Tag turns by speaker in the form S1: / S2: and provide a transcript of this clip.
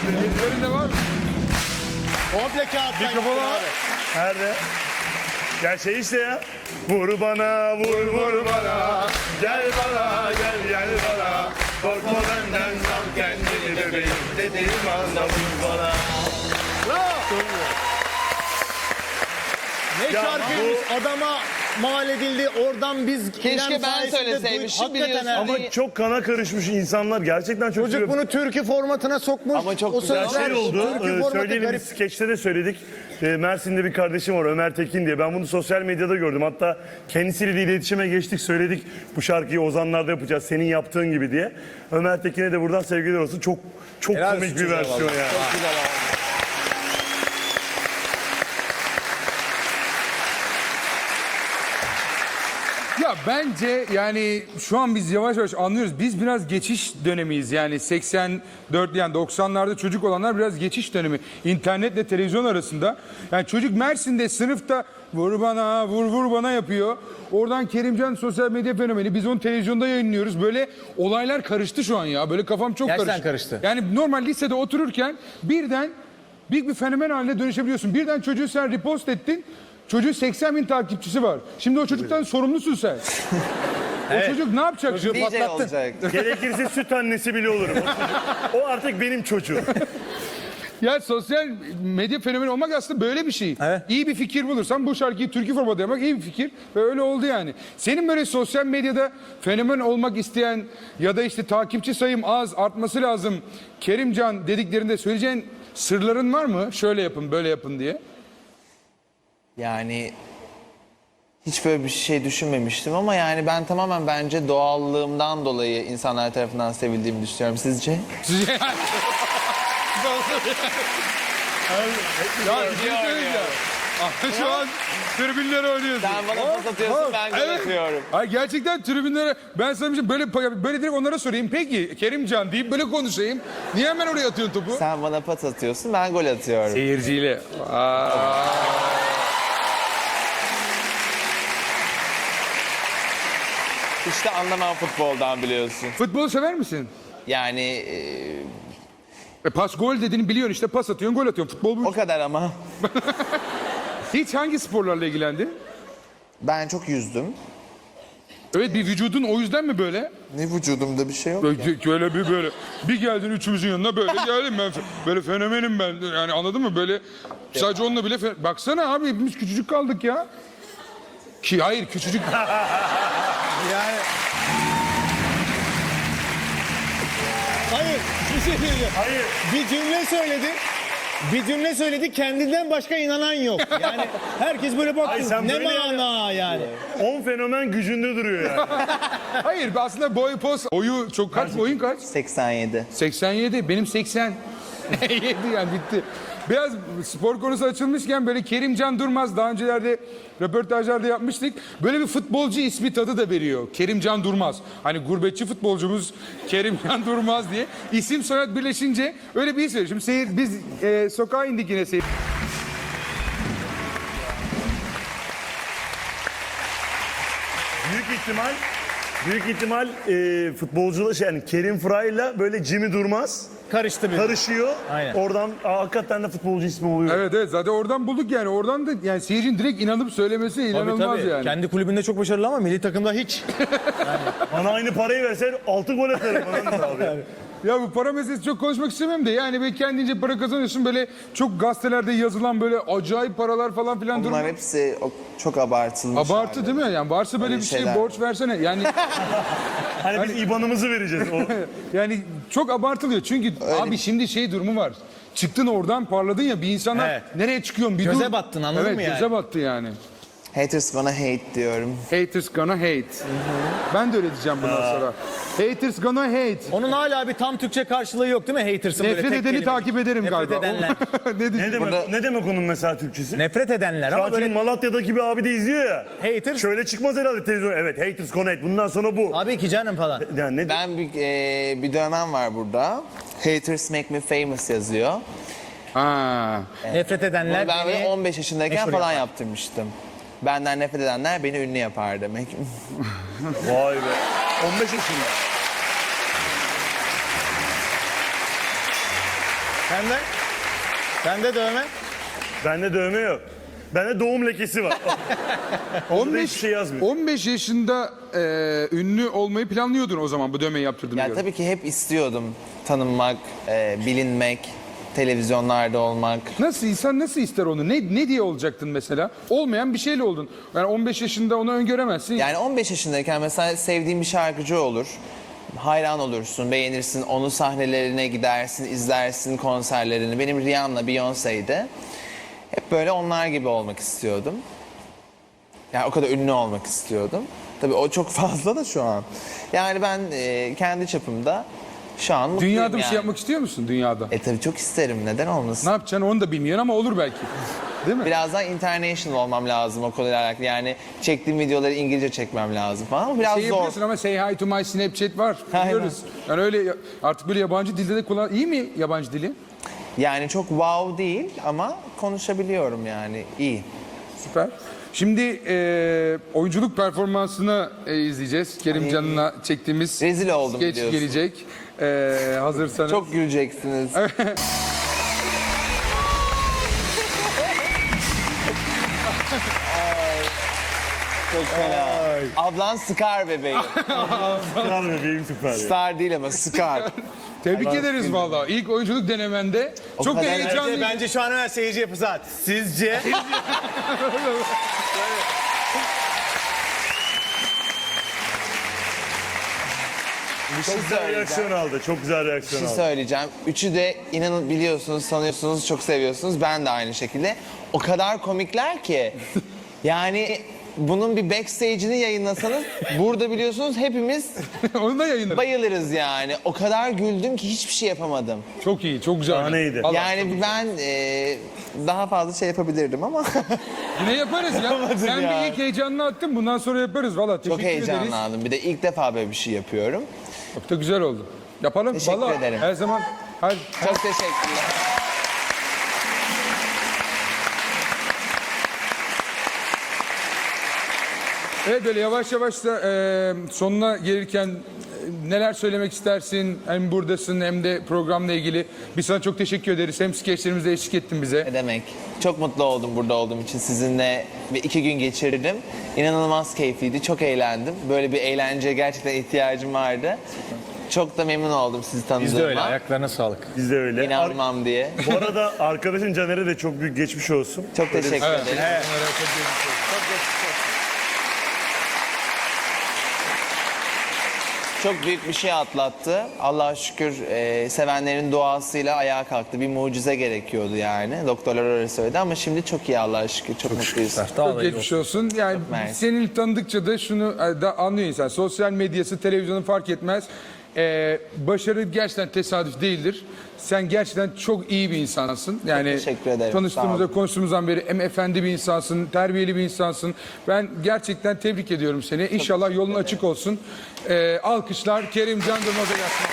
S1: Ellerinde var mı?
S2: Komple kağıttan
S1: Mikrofonu
S2: yaptın
S1: al.
S2: abi.
S3: Nerede? Ya şey işte ya. Vur bana, vur bana. Gel bana, gel bana. Korkma benden sal kendini bebeğim. Dediğim anda vur bana.
S2: Ne
S3: Ya
S2: şarkıymış adama mal edildi. Oradan biz
S4: Keşke
S2: İrem
S4: ben
S2: sayesinde
S4: söyleseymişim,
S2: Hakikaten
S4: biliyorsun.
S2: ha.
S3: Ama çok kana karışmış insanlar. Gerçekten çok
S2: Çocuk bunu türkü formatına sokmuş.
S4: Ama çok
S2: o
S4: güzel
S2: sözler
S3: şey oldu.
S2: Türkü formatı
S3: Söyleyelim,
S2: garip.
S3: biz skeçte de söyledik. Mersin'de bir kardeşim var, Ömer Tekin diye. Ben bunu sosyal medyada gördüm. Hatta kendisiyle de iletişime geçtik, söyledik. Bu şarkıyı Ozanlar'da yapacağız, senin yaptığın gibi diye. Ömer Tekin'e de buradan sevgiler olsun. Çok
S2: Helal
S3: komik
S2: olsun
S3: bir versiyon
S2: vallahi.
S3: yani.
S1: Ya bence yani şu an biz yavaş yavaş anlıyoruz. Biz biraz geçiş dönemiyiz. Yani 84 yani 90'larda çocuk olanlar biraz geçiş dönemi. İnternetle televizyon arasında. Yani çocuk Mersin'de sınıfta vur bana vur bana yapıyor. Oradan Kerimcan sosyal medya fenomeni. Biz onu televizyonda yayınlıyoruz. Böyle olaylar karıştı şu an ya. Böyle kafam çok
S2: Gerçekten karıştı.
S1: Yani normal lisede otururken birden büyük bir fenomen haline dönüşebiliyorsun. Birden çocuğu sen repost ettin. Çocuğun 80 bin takipçisi var. Şimdi o çocuktan sorumlusun sen. O çocuk ne yapacak?
S2: Çocuğu
S4: DJ
S2: patlattın.
S4: olacak.
S3: Gerekirse süt annesi bile olurum. O artık benim çocuğum.
S1: Ya sosyal medya fenomeni olmak aslında böyle bir şey.
S2: Evet.
S1: İyi bir fikir bulursan bu şarkıyı türkü formatı yapmak iyi bir fikir. Ve öyle oldu yani. Senin böyle sosyal medyada fenomen olmak isteyen ya da işte takipçi sayım az artması lazım Kerimcan dediklerinde söyleyeceğin sırların var mı? Şöyle yapın böyle yapın diye.
S4: Yani hiç böyle bir şey düşünmemiştim ama yani ben tamamen bence doğallığımdan dolayı insanlar tarafından sevildiğimi düşünüyorum. Sizce?
S1: Sizce ya bir şey söyleyeceğim. Ama şu an tribünlere oynuyorsun.
S4: Sen bana pas atıyorsun, ben gol atıyorum.
S1: Ay gerçekten tribünlere ben sana bir şey böyle direkt onlara sorayım. Peki Kerimcan deyip böyle konuşayım. Niye hemen oraya atıyorsun topu?
S4: Sen bana pas atıyorsun, ben gol atıyorum.
S1: Seyirciyle.
S4: İşte anlamam futboldan biliyorsun.
S1: Futbolu sever misin?
S4: Yani
S1: Pas gol dediğini biliyorsun işte pas atıyorsun gol atıyorsun. Futbol bu.
S4: o kadar ama.
S1: Hiç hangi sporlarla ilgilendin?
S4: Ben çok yüzdüm.
S1: Evet bir vücudun o yüzden mi böyle?
S4: Ne vücudumda bir şey yok.
S1: Böyle bir geldin üçümüzün yanına böyle geldim ben böyle fenomenim ben yani anladın mı böyle sadece onunla bile baksana abi hepimiz küçücük kaldık ya. Ki hayır küçücük
S2: Yani... Hayır, bir şey diyeceğim.
S3: Hayır.
S2: Bir cümle söyledi, kendinden başka inanan yok. Yani herkes böyle
S3: Ay,
S2: baktı.
S3: sen
S2: Ne
S3: böyle
S2: mana yani.
S3: 10 fenomen gücünde duruyor yani.
S1: hayır aslında boy poz boyu çok kaç boyun kaç?
S4: 87.
S1: 87 benim 80. 7 yani bitti. Biraz spor konusu açılmışken böyle Kerimcan Durmaz daha öncelerde röportajlarda yapmıştık. Böyle bir futbolcu ismi tadı da veriyor. Kerimcan Durmaz. Hani gurbetçi futbolcumuz Kerimcan Durmaz diye. İsim soyad birleşince öyle bir isim. Şimdi biz sokağa indik yine seyir.
S3: Büyük ihtimal futbolcular yani Kerim Fıra'yla böyle Jimmy Durmaz
S2: Karıştı bir.
S3: karışıyor.
S2: Aynen.
S3: Oradan hakikaten de futbolcu ismi oluyor.
S1: Evet zaten oradan bulduk yani. Oradan da yani seyircinin direkt inanıp söylemesi inanılmaz yani.
S2: Kendi kulübünde çok başarılı ama milli takımda hiç.
S3: Bana aynı parayı versen 6 gol atarım falan da abi.
S1: Ya bu para meselesi çok konuşmak istemem de yani böyle kendince para kazanıyorsun böyle çok gazetelerde yazılan böyle acayip paralar falan filan durum.
S4: Bunlar hepsi çok abartılmış.
S1: Abartı değil mi? Yani varsa böyle
S4: Öyle
S1: bir şey
S4: şeyler.
S1: borç versene. Yani
S3: Hani biz IBAN'ımızı vereceğiz.
S1: yani çok abartılıyor. Çünkü abi şimdi şey durumu var. Çıktın oradan parladın ya bir insana
S2: Evet.
S1: nereye çıkıyorsun bir
S2: Göze
S1: dur.
S2: battın, anladın mı yani?
S1: Evet göze battı yani.
S4: Haters bana hate diyorum.
S1: Haters gonna hate. Ben de öyle diyeceğim bundan sonra. Haters gonna hate.
S2: Onun hala bir tam Türkçe karşılığı yok değil mi? Haters'ın böyle
S1: Nefret
S2: tek
S1: edeni
S2: kelime.
S1: takip ederim
S2: Nefret
S1: galiba.
S2: edenler.
S1: Ne diyeyim?
S3: Ne demek onun mesela Türkçesi?
S2: Nefret edenler
S3: Şu
S2: ama
S3: an çünkü
S2: böyle
S3: Malatya'daki bir abi de izliyor ya.
S2: haters.
S3: Şöyle çıkmaz herhalde televizyon. Evet, haters connect. Bundan sonra bu.
S2: Tabii ki canım falan.
S3: Yani ne
S4: Ben bir dönem var burada. Haters make me famous yazıyor.
S1: Ha.
S2: Nefret edenler
S4: Bunu ben böyle
S2: beni
S4: 15 yaşındayken
S2: meşhur
S4: falan
S2: yapar.
S4: yaptırmıştım. Benden nefret edenler beni ünlü yapar demek.
S3: Vay be. 15 yaşında.
S2: Sende? Sende dövme?
S3: Bende dövme yok. Bende doğum lekesi var. Onda da hiçbir şey yazmıyor.
S1: 15 yaşında ünlü olmayı planlıyordun o zaman bu dövmeyi yaptırdığına
S4: Ya
S1: göre.
S4: tabii ki hep istiyordum tanınmak, bilinmek, televizyonlarda olmak.
S1: Nasıl insan nasıl ister onu? Ne diye olacaktın mesela? Olmayan bir şeyle oldun. Yani 15 yaşında onu öngöremezsin.
S4: Yani 15 yaşındayken mesela sevdiğin bir şarkıcı olur. Hayran olursun, beğenirsin, onun sahnelerine gidersin, izlersin konserlerini. Benim Rihanna, Beyoncé'ydi. Hep böyle onlar gibi olmak istiyordum. Yani o kadar ünlü olmak istiyordum. Tabii o çok fazla da şu an. Yani ben kendi çapımda şu an mutluyum
S1: Dünyada bir
S4: yani.
S1: şey yapmak istiyor musun dünyada?
S4: Tabii çok isterim, neden olmasın?
S1: Ne yapacaksın onu da bilmiyorsun ama olur belki. Değil mi?
S4: Biraz daha international olmam lazım o konuyla alakalı. Yani çektiğim videoları İngilizce çekmem lazım falan ama biraz
S1: Şey
S4: zor.
S1: yapıyorsun ama say hi to my Snapchat var.
S4: Aynen.
S1: Biliyoruz. Yani öyle artık böyle yabancı dilde de kullan. İyi mi yabancı dili?
S4: Yani çok wow değil ama konuşabiliyorum yani iyi.
S1: Süper. Şimdi oyunculuk performansını izleyeceğiz. Kerim Can'la çektiğimiz
S4: Rezil oldum
S1: skeç
S4: biliyorsun.
S1: gelecek. Hazırsanız.
S4: Çok güleceksiniz. Ay, çok fena. Ablan Scar bebeğim.
S3: Kral bebeğim süper ya.
S4: Star değil ama Scar.
S1: Tebrik ederiz vallahi. İlk oyunculuk denemende. Çok da
S4: kadar-
S1: heyecanlı.
S2: Bence şu an hemen seyirci yapı zaten. Sizce?
S4: Bir şey
S3: Çok güzel
S4: söyleyeceğim.
S3: reaksiyon aldı. Çok güzel
S4: Bir
S3: reaksiyon
S4: şey
S3: aldı.
S4: söyleyeceğim. Üçü de inanın biliyorsunuz, sanıyorsunuz, çok seviyorsunuz. Ben de aynı şekilde. O kadar komikler ki. Yani bunun bir backstage'ini yayınlasanız burada biliyorsunuz hepimiz
S1: Onu da yayınlarız.
S4: bayılırız yani. O kadar güldüm ki hiçbir şey yapamadım.
S1: Çok iyi, çok güzel.
S3: Sahneydi.
S1: Vallahi
S4: Yani ben daha fazla şey yapabilirdim ama
S1: yine yaparız ya. Sen
S4: ya.
S1: bir ilk heyecanını attın. Bundan sonra yaparız valla.
S4: çok
S1: Teşekkür ederiz.
S4: heyecanlandım. Bir de ilk defa böyle bir şey yapıyorum.
S1: Çok da güzel oldu. Yapalım.
S4: Teşekkür
S1: Vallahi
S4: ederim.
S1: Her zaman.
S4: Çok teşekkürler.
S1: Evet böyle yavaş yavaş da sonuna gelirken neler söylemek istersin? Hem buradasın hem de programla ilgili. Biz sana çok teşekkür ederiz. Hem skeçlerimizde eşlik ettin bize.
S4: Ne demek? Çok mutlu oldum burada olduğum için sizinle ve 2 gün geçirdim. İnanılmaz keyifliydi, çok eğlendim. Böyle bir eğlenceye gerçekten ihtiyacım vardı. Çok da memnun oldum sizi tanıdığıma.
S2: Biz de öyle. Ayaklarına sağlık.
S3: Biz de öyle.
S4: İnanmam diye.
S3: Bu arada arkadaşın Caner'e de çok büyük geçmiş olsun.
S4: Çok teşekkür ederim. Çok büyük bir şey atlattı. Allah'a şükür sevenlerin duasıyla ayağa kalktı. Bir mucize gerekiyordu yani. Doktorlar öyle söyledi ama şimdi çok iyi Allah'a şükür. Çok mutluyuz.
S1: Çok geçmiş olsun. Yani
S4: mersi.
S1: seni tanıdıkça da şunu da anlıyor insan. Sosyal medyası, televizyonu fark etmez. Başarı gerçekten tesadüf değildir. Sen gerçekten çok iyi bir insansın. Yani
S4: teşekkür ederim. Sağ
S1: tanıştığımızda,
S4: olun.
S1: konuştuğumuzdan beri hem efendi bir insansın, terbiyeli bir insansın. Ben gerçekten tebrik ediyorum seni. İnşallah yolun açık olsun. Alkışlar Kerim Can Durmaz'a gelsin.